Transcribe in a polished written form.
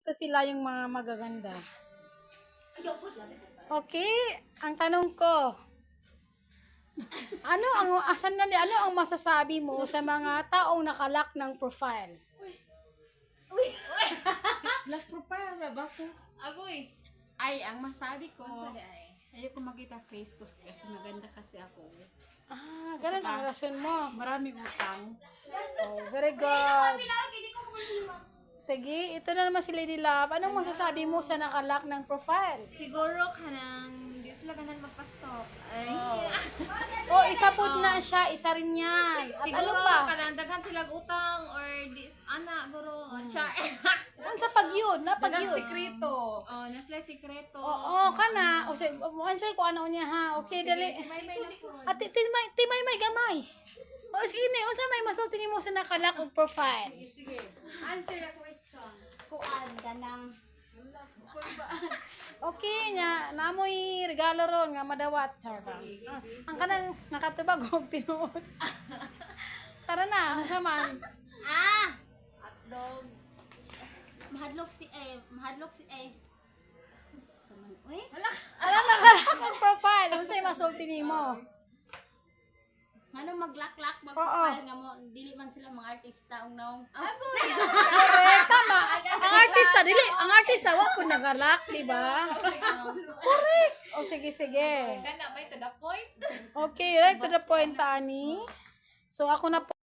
Ito sila yung mga magaganda. Okay, ang tanong ko, ano ang masasabi mo sa mga taong nakalak ng profile? Lock profile na ba ko? Agoy. Ay, ang masabi ko, Kung sa ay. ayoko makita face ko kasi maganda kasi ako. Ganun ang rason mo. Marami utang. Oh, very good. Sige, ito na naman si Lady Love. Anong masasabi mo sa nakalak ng profile? Siguro kanang di sila ganan magpa-stop. Ay. Oh, isa po na siya, isa rin yan. At ano Siguro pa? kanang daghan sila utang or di ana guro char. Ano sa pag-yun? Na Dagang pag-yun? sikreto. Oh, na sila sikreto. Oo, kana. O sige, answer ko ano niya ha. Okay, dali. May na po. At timay may gamay. O sige ni, unsa may masulti nimo sa nakalak og profile? Sige. Answer the question. Kuan ganang Okay nya, namoy regalo ron nga madawat char ba. Ang kanang nakatubag og tinuod. Tara na, unsa man? Hotdog. Mahadlok si Saman, uy. Ala nakalak og profile, unsay masulti nimo? Ano maglaklak Oo. magpapal nga mo dili man sila mga artista ugnaw. Agoy. Correct, tama. Ang artista wa po nagalak, di ba? Correct. O sige, sige. Kana ba to the point? Okay, right to the point, Tani. So ako na po